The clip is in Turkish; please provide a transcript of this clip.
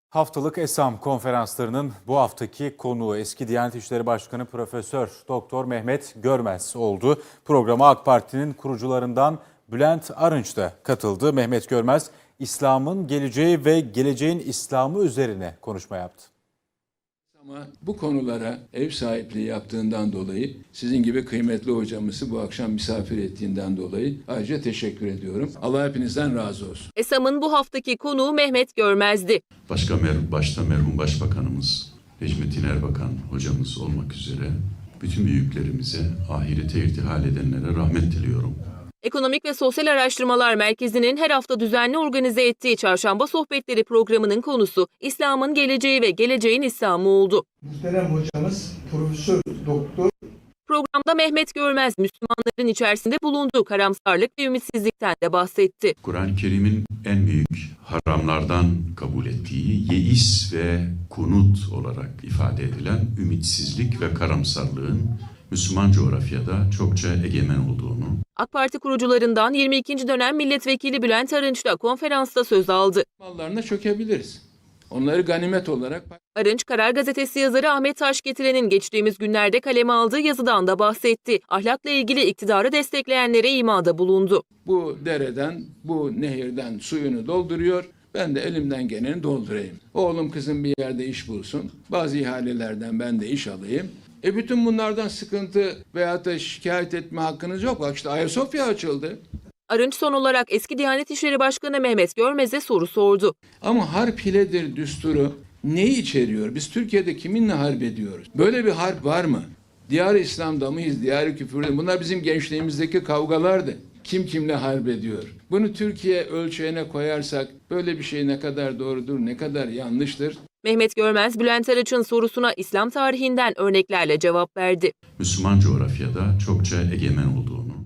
Haftalık ESAM konferanslarının bu haftaki konuğu eski Diyanet İşleri Başkanı Profesör Doktor Mehmet Görmez oldu. Programa AK Parti'nin kurucularından Bülent Arınç da katıldı. Mehmet Görmez, İslam'ın geleceği ve geleceğin İslam'ı üzerine konuşma yaptı. Ama bu konulara ev sahipliği yaptığından dolayı, sizin gibi kıymetli hocamızı bu akşam misafir ettiğinden dolayı ayrıca teşekkür ediyorum. Allah hepinizden razı olsun. ESAM'ın bu haftaki konuğu Mehmet Görmez'di. Başta merhum Başbakanımız Necmettin Erbakan hocamız olmak üzere bütün büyüklerimize, ahirete irtihal edenlere rahmet diliyorum. Ekonomik ve Sosyal Araştırmalar Merkezi'nin her hafta düzenli organize ettiği Çarşamba Sohbetleri programının konusu İslam'ın geleceği ve geleceğin İslam'ı oldu. Muhterem hocamız Profesör Doktor Programda Mehmet Görmez, Müslümanların içerisinde bulunduğu karamsarlık ve ümitsizlikten de bahsetti. Kur'an-ı Kerim'in en büyük haramlardan kabul ettiği yeis ve kunut olarak ifade edilen ümitsizlik ve karamsarlığın Müslüman coğrafyada çokça egemen olduğunu, AK Parti kurucularından 22. dönem milletvekili Bülent Arınç da konferansta söz aldı. Mallarına çökebiliriz. Onları ganimet olarak... Arınç, Karar Gazetesi yazarı Ahmet Taşgetiren'in geçtiğimiz günlerde kaleme aldığı yazıdan da bahsetti. Ahlakla ilgili iktidarı destekleyenlere imada bulundu. Bu dereden, bu nehirden suyunu dolduruyor. Ben de elimden geleni doldurayım. Oğlum kızım bir yerde iş bulsun. Bazı ihalelerden ben de iş alayım. Bütün bunlardan sıkıntı veyahut da şikayet etme hakkınız yok. Bak işte Ayasofya açıldı. Arınç son olarak eski Diyanet İşleri Başkanı Mehmet Görmez'e soru sordu. Ama harp hiledir düsturu neyi içeriyor? Biz Türkiye'de kiminle harp ediyoruz? Böyle bir harp var mı? Diyar-ı İslam'da mıyız? Diyar-ı küfürde? Bunlar bizim gençliğimizdeki kavgalardı. Kim kimle harp ediyor? Bunu Türkiye ölçeğine koyarsak böyle bir şey ne kadar doğrudur, ne kadar yanlıştır? Mehmet Görmez, Bülent Arınç'ın sorusuna İslam tarihinden örneklerle cevap verdi. Müslüman coğrafyada çokça egemen olduğunu,